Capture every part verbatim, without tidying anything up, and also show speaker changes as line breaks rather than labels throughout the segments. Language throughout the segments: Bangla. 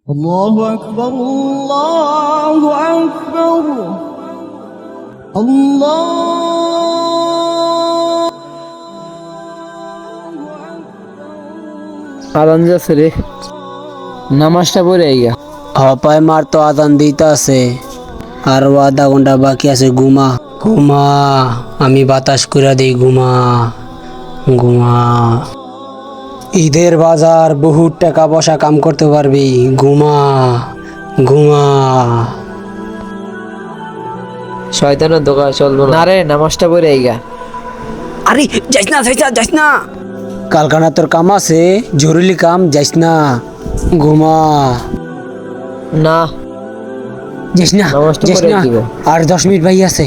الله أكبر الله أكبر الله
আদান যাচ্ছে রে, নামাজটা পড়ে আইগা।
হপায় মার তো আদান দিতে আছে, আরো আধা ঘন্টা বাকি আছে। ঘুমা ঘুমা, আমি বাতাস করে দিই। ঘুমা ঘুমা, ঈদের বাজার বহুত টাকা পয়সা কাম করতে পারবি। ঘুমা ঘুমা।
শয়তানের দোকান চলবো না রে, নামাজটা পড়ে আইগা।
আরে যাইস না, যাইস না, যাইস না। কালকানা তোর কাম আছে, জরুরি কাম, যাইস না। ঘুমা।
না,
যাইস না,
নামাজটা
যাইস
পড়ে
না।
দিব।
আর দশ মিনিট বাকি আছে,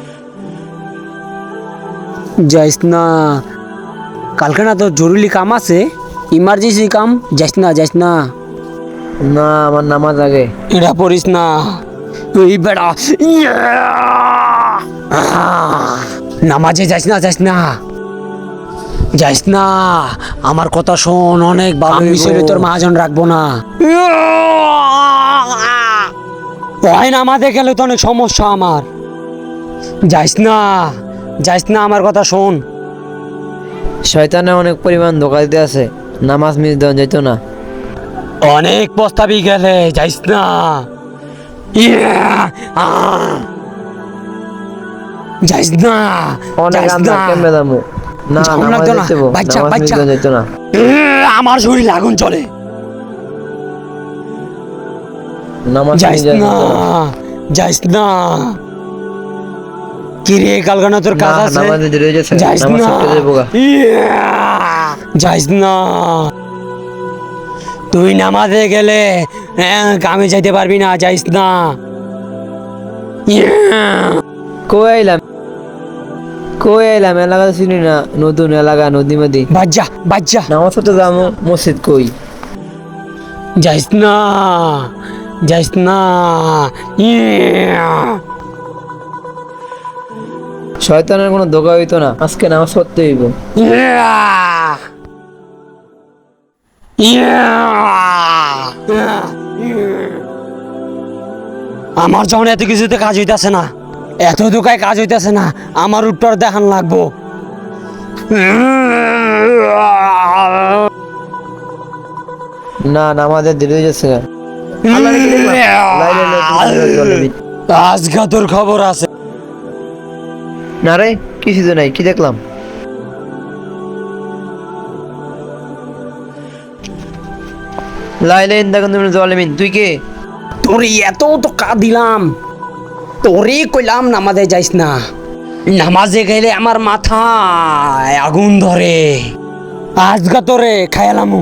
যাইস না। কালকানা তোর জরুরি কাম আছে, ইমার্জেন্সি কাম, যাইস না, যাইস না।
না, আমার নামাজ আগে।
এটা পড়িস না তুই বেড়া। নামাজে যাইস না, যাইস না, যাইস না। আমার কথা শোন, অনেক ভালো। আমি ছেলে তোর মহাজন রাখবো না। ওই নামাজে গেলে তো অনেক সমস্যা আমার। যাইস না, যাইস না, আমার কথা শোন।
শয়তানে অনেক পরিমাণ ধোকা দিতে আছে, নামাজ মিস দেওয়া যেত না।
অনেক প্রস্তাবই গেলে, যাইস না। ইয়া, আহ। যাইস না,
অনেক
যাইস
আন্দা
না।
কেমনে দামু। না,
ঝামেলা
নামাজ
লাগতো না,
দিতে হইবো,
বাচ্চা,
নামাজ মিস
বাচ্চা।
দেওয়া যেত না।
এ, আমার শরীরে আগুন চলে।
নামাজ
যাইস
মিস দেওয়া
না,
যেত না।
যাইস না। কি রে কালকানা তোর কাজ
না,
আছে?
নামাজে দেরি হয়ে যাচ্ছে,
যাইস
নামাজ
না।
ছুটতে যাবো গা।
ইয়া, যাইস না। তুই নামাজে গেলে হ্যাঁ, কামে যাইতে পারবি না, যাইস না। ইয়া।
কই আইলাম, কই আইলাম, এলাকা তো চিনি না, নতুন এলাকা, নদী মদি।
বাজ্জা, বাজ্জা।
নামাজ পড়তে যাবো, মসজিদ কই?
যাইস না, যাইস না। ইয়া।
শয়তানের কোনো ধোকা হইতো না, আজকে নামাজ পড়তে হইব।
ইয়া। ইয়া। আমার যখন এত কিছুতে কাজ হইতাছে না, এত দোকায় কাজ হইতাছে না, আমার উত্তর দেখান লাগবো।
না, নামাজের দেরি হয়ে যাচ্ছে। আল্লাহ রে, কি দেখলাম? লাই লাই লাই লাই লাই লাই লাই।
আজকে তোর খবর আছে।
না রে, কিছু তো নাই, কি দেখলাম? লাই লাই দেখুন তুমি জালিমিন, তুই কে?
তোর এত তো কা দিলাম, তোরই কইলাম নামাজে যাইস না। নামাজে গেলে আমার মাথায় আগুন ধরে। আজকা তোরে খায়ালামু,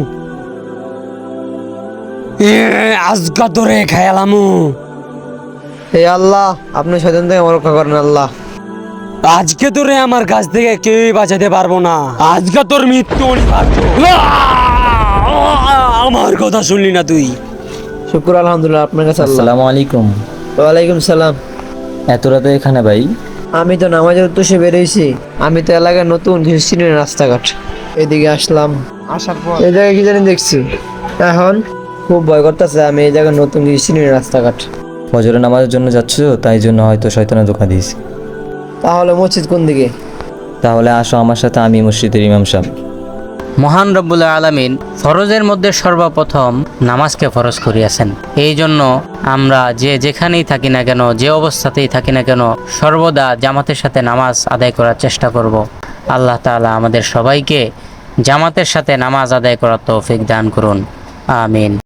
এ, আজকা তোরে খায়ালামু।
হে আল্লাহ, আপনি শয়তান থেকে আমার রক্ষা করেন আল্লাহ।
আজকে তোরে আমার কাছ থেকে কেউই বাঁচাতে পারবো না। আজকে তোর মৃত্যু অনিবার্য। আমার কথা শুনলি না তুই?
শুকুর আলহামদুলিল্লাহ আপনার কাছে আল্লাহ।
আসসালামু আলাইকুম।
ওয়ালাইকুম সালাম।
এত রাতে এখানে ভাই?
আমি তো নামাজের উদ্দেশ্যে বেরোইছি। আমি তো এলাকায় নতুন, কিছু চিনি না রাস্তাঘাট। এদিকে আসলাম, আসার পর এই জায়গায় কি জানি দেখছি। এখন খুব ভয় করতেছে, আমি এই জায়গায় নতুন, কিছু চিনি না রাস্তাঘাট।
ফজরের নামাজের জন্য যাচ্ছ, তাই জন্য হয়তো শয়তানের ধোঁকা দিয়েছি।
তাহলে মসজিদ কোন দিকে?
তাহলে আসো আমার সাথে, আমি মসজিদের ইমাম সাহেব।
মহান রব্বুল আলামিন ফরজের মধ্যে সর্বপ্রথম নামাজকে ফরজ করিয়াছেন। এই জন্য আমরা যে যেখানেই থাকি না কেন, যে অবস্থাতেই থাকি না কেন, সর্বদা জামাতের সাথে নামাজ আদায় করার চেষ্টা করব। আল্লাহ তাআলা আমাদের সবাইকে জামাতের সাথে নামাজ আদায় করার তৌফিক দান করুন। আমিন।